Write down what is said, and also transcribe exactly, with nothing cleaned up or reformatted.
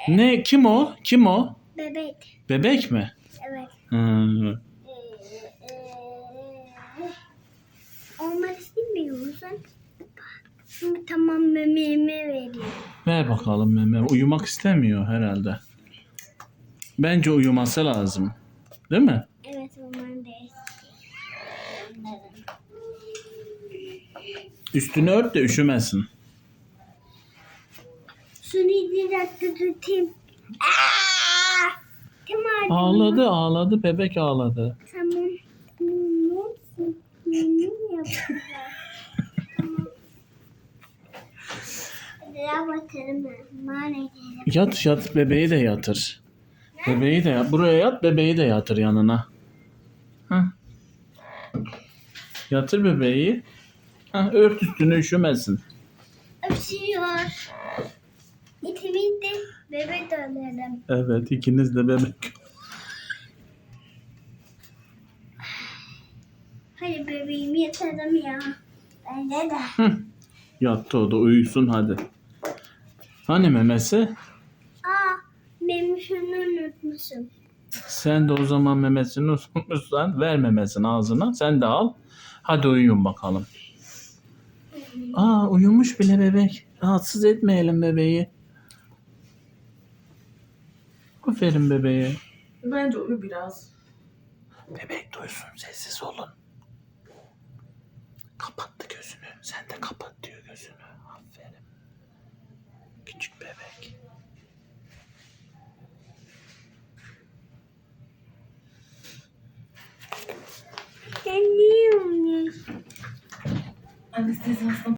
Ne? Kim o? Kim o? Bebek. Bebek mi? Evet. Hmm. Ee, e, olmak istemiyor musun? Tamam, memeğimi vereyim. Ver bakalım meme. Uyumak istemiyor herhalde. Bence uyuması lazım. Değil mi? Evet, onların değil. Onların. Üstünü ört de üşümesin. Şunu bir dakika tutayım. Aa! Tamam. Ağladı ağladı. Bebek ağladı. Tamam. Mum, mum yapacağız. Tamam. Biraz bakalım ben. Mane Yat yat bebeği de yatır. Bebeği de yat. Buraya yat bebeği de yatır yanına. Hah. Yatır bebeği. Hah, ört üstünü üşümesin. öpüşüyor. İkimiz de bebek dönelim. Evet ikiniz de bebek. Hadi bebeğimi yatalım ya. Bence de. Hı. Yattı o da uyusun hadi. Hani memesi? Aa, benim şunu unutmuşum. Sen de o zaman memesini unutmuşsan ver memesini ağzına. Sen de al. Hadi uyuyun bakalım. Aa uyumuş bile bebek. Rahatsız etmeyelim bebeği. Aferin bebeğe. Bence uyu biraz. Bebek duysun sessiz olun. Kapattı gözünü. Sen de kapat diyor gözünü. Aferin. Küçük bebek. Sen niye uyuyorsun? Anestezi hasta